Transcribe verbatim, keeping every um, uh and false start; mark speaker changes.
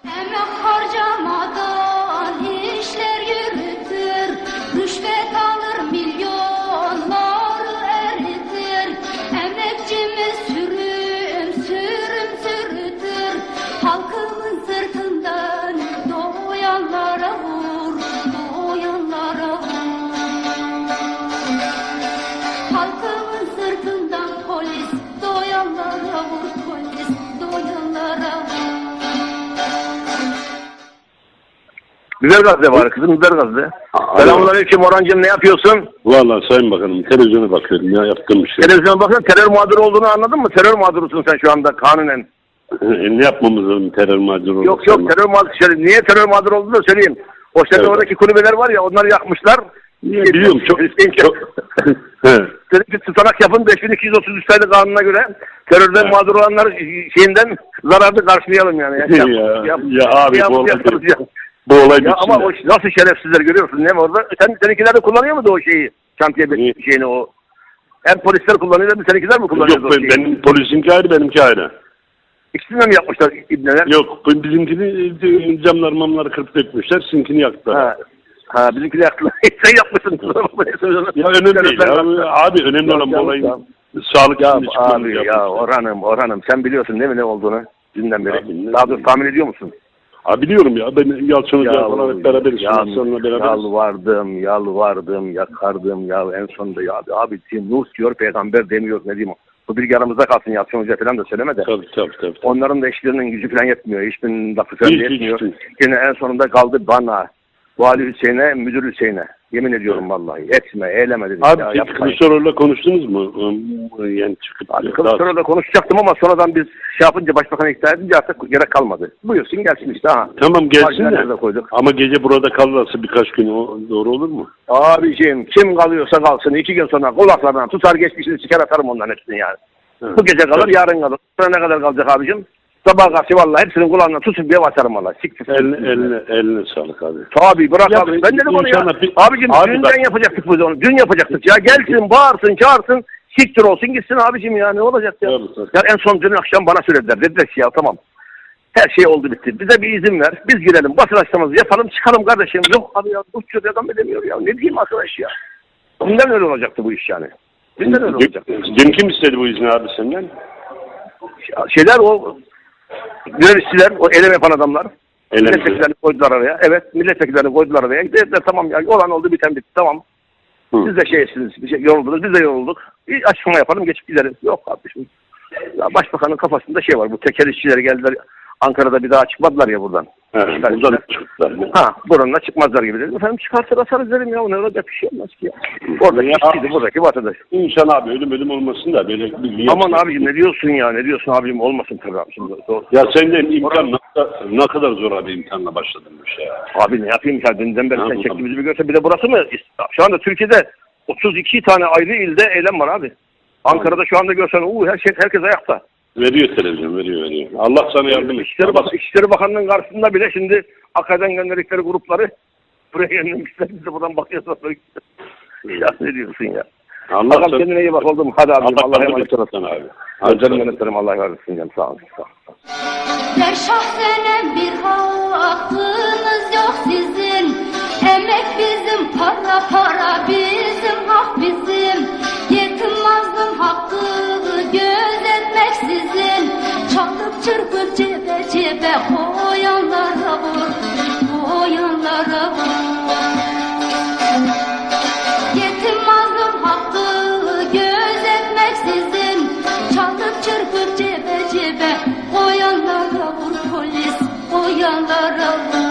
Speaker 1: Emek harcamadan işler yürütür, rüşvet alır milyonları eritir. Emekçimiz sürüm sürüm sürütür, halkımın sırtından doyanlara vur, doyanlara vur. Halkımın sırtından polis, doyanlara vur, polis, doyanlara vur.
Speaker 2: Güzel gazete var kızım, güzel gazete. Selamünaleyküm Orhancığım, ne yapıyorsun?
Speaker 3: Vallahi Sayın Bakanım televizyona bakıyorum ya, yaptığım bir şey.
Speaker 2: Televizyona bakın, terör mağduru olduğunu anladın mı? Terör mağdurusun sen şu anda kanunen.
Speaker 3: E, ne yapmamız lazım terör mağduru olursa?
Speaker 2: Yok yok, terör mağduru. Şöyle, niye terör mağduru olduğunu da söyleyeyim. O işte
Speaker 3: Evet.
Speaker 2: oradaki kulübeler var ya, onları yakmışlar.
Speaker 3: Niye, biliyorum çok. çok.
Speaker 2: Dedim ki tutanak yapın, beş bin iki yüz otuz üç sayılı kanuna göre terörden
Speaker 3: Evet.
Speaker 2: mağdur olanlar şeyinden zararlı karşılayalım yani.
Speaker 3: Ya, ya,
Speaker 2: yap,
Speaker 3: ya abi
Speaker 2: yap,
Speaker 3: bu olay,
Speaker 2: yaparız ya.
Speaker 3: bu olay
Speaker 2: Ya ama o nasıl şerefsizler görüyorsun değil mi orada? Sen, seninkiler de kullanıyor muydu o şeyi? Şantiye
Speaker 3: Niye?
Speaker 2: şeyini o. Hem polisler kullanıyor hem de seninkiler mi kullanıyor
Speaker 3: Yok
Speaker 2: o şeyi?
Speaker 3: benim polisinki ayrı, benimki ayrı.
Speaker 2: İkisini de mi yapmışlar ibneler?
Speaker 3: Yok bizimkini camlar mamları kırıp dökmüşler, sizinkini yaktılar.
Speaker 2: Ha. Ha bizimkiler yaktılar. Sen yapmışsın.
Speaker 3: Ya önemli değil ya. Abi önemli olan bu olayın sağlık
Speaker 2: Ya
Speaker 3: içinde çıkmamız
Speaker 2: abi
Speaker 3: yapmış.
Speaker 2: ya Orhan'ım Orhan'ım sen biliyorsun değil mi ne olduğunu dünden beri?
Speaker 3: Abi, ne
Speaker 2: Daha doğrusu tahmin ediyor musun?
Speaker 3: Ha biliyorum ya, ben Yalçın Hoca falan hep beraberiz.
Speaker 2: Yal,
Speaker 3: Sonrasında beraberiz.
Speaker 2: yalvardım, yalvardım, yakardım ya en sonunda ya abi, abi Nuh diyor peygamber demiyor ne diyeyim. Bu bilgi aramızda kalsın, Yalçın Hoca falan da söyleme de.
Speaker 3: Tabii tabii tabii.
Speaker 2: Onların da eşlerinin gücü falan yetmiyor. Hiçbirinin lafı falan
Speaker 3: Hiç,
Speaker 2: yetmiyor.
Speaker 3: hiç.
Speaker 2: Yine en sonunda kaldı bana. Vali Hüseyin'e, müdür Hüseyin'e. Yemin ediyorum vallahi. Etme, eyleme dedim.
Speaker 3: Abi
Speaker 2: ya,
Speaker 3: siz
Speaker 2: yapmayın.
Speaker 3: Kılıçdaroğlu'yla konuştunuz mu? Yani çıkıp
Speaker 2: Abi Kılıçdaroğlu'yla konuşacaktım ama sonradan biz şey yapınca, başbakanı ikna edince artık gerek kalmadı. Buyursun gelsin işte ha.
Speaker 3: Tamam gelsin de.
Speaker 2: de koyduk.
Speaker 3: Ama gece burada kalırsa birkaç gün o doğru olur mu?
Speaker 2: Abiciğim kim kalıyorsa kalsın. İki gün sonra kulaklarından tutar geçmişini çıkar atarım onların hepsini yani.
Speaker 3: Hı.
Speaker 2: Bu gece kalır, yarın kalır. Sonra ne kadar kalacak abicim? Sabah karşı vallahi hepsinin kulağından tutup bir atarım valla. Siktir.
Speaker 3: Eline, eline, eline sağlık abi.
Speaker 2: Tabii bırak
Speaker 3: Ya,
Speaker 2: abi. Ben dedim onu ya.
Speaker 3: bir-
Speaker 2: Abicim
Speaker 3: Abi
Speaker 2: dünden
Speaker 3: bak-
Speaker 2: yapacaktık biz onu. Dün yapacaktık ya. Gelsin, bağırsın, çağırsın. Siktir olsun gitsin abicim ya. Ne olacak ya?
Speaker 3: Tabii, tabii.
Speaker 2: Ya en son dün akşam bana söylediler. Dediler ki ya tamam. Her şey oldu bitti. Bize bir izin ver. Biz girelim. Basın açıklaması yapalım. Çıkalım kardeşim. Yok abi ya. Uçuyor adam edemiyor ya. Ne diyeyim arkadaş ya. Dünden öyle olacaktı bu iş yani. Dünden öyle olacaktı.
Speaker 3: Dün kim istedi bu izni abi senden?
Speaker 2: Şeyler o görevliler, o eylem yapan adamlar.
Speaker 3: Eylem
Speaker 2: Milletvekillerini koydular araya. Evet, milletvekillerini koydular araya. Dediler tamam ya, olan oldu biten bitti tamam.
Speaker 3: Hı.
Speaker 2: Siz de şeysiniz, bir şey yoruldunuz, biz de yorulduk. Bir açıklama yapalım, geçip gidelim. Yok kardeşim. Ya başbakanın kafasında şey var, bu tekel işçileri geldiler. Ankara'da bir daha çıkmadılar ya buradan.
Speaker 3: He, buradan çıktılar.
Speaker 2: Ha, buranla çıkmazlar gibi dedim. Efendim çıkartır asarız dedim ya, ne olacak bir şey olmaz ki ya. Oradaki
Speaker 3: Ya,
Speaker 2: işçiydi, buradaki vatandaş.
Speaker 3: İnşallah abi ölüm ölüm olmasın da böyle bir
Speaker 2: Aman abicim ne diyorsun ya, ne diyorsun abicim, olmasın tabii abi. Şimdi, doğru.
Speaker 3: Ya sen de imkan ne kadar, ne kadar zor abi imkanla başladın bu işe ya.
Speaker 2: Abi ne yapayım ya, dünden beri
Speaker 3: Ha,
Speaker 2: sen
Speaker 3: bu
Speaker 2: çektiğimizi bir görsen, bir de burası mı? Şu anda Türkiye'de otuz iki tane ayrı ilde eylem var abi. Ankara'da şu anda görsen uu, her şey, herkes ayakta.
Speaker 3: Veriyor televizyon, veriyor veriyor. Allah sana yardım etsin.
Speaker 2: İçişleri, Bak İçişleri Bakanlığı'nın karşısında bile şimdi Akka'dan gönderdikleri grupları buraya yönlenmişler. Biz de buradan bakıyoruz. Ya ne diyorsun ya?
Speaker 3: Allah
Speaker 2: Bakalım
Speaker 3: sana...
Speaker 2: kendine iyi bak oldum. Hadi abi.
Speaker 3: Allah
Speaker 2: Allah'a
Speaker 3: yardım
Speaker 2: emanet
Speaker 3: etsin
Speaker 2: olasın.
Speaker 3: sana abi.
Speaker 2: Özlerim yönetlerim. Allah'a emanet olsun. Sağ olun. Sağ olun.
Speaker 1: Der şahsenem bir hakkınız yok sizin. Emek bizim, para para bizim, hak bizim. Yetim mazlum hakkı gözetmek sizin. Çalıp çırpıp cebe cebe koyanlara vur, koyanlara vur. Yetim mazlum hakkı gözetmek sizin. Çalıp çırpıp cebe cebe koyanlara vur polis, koyanlara vur.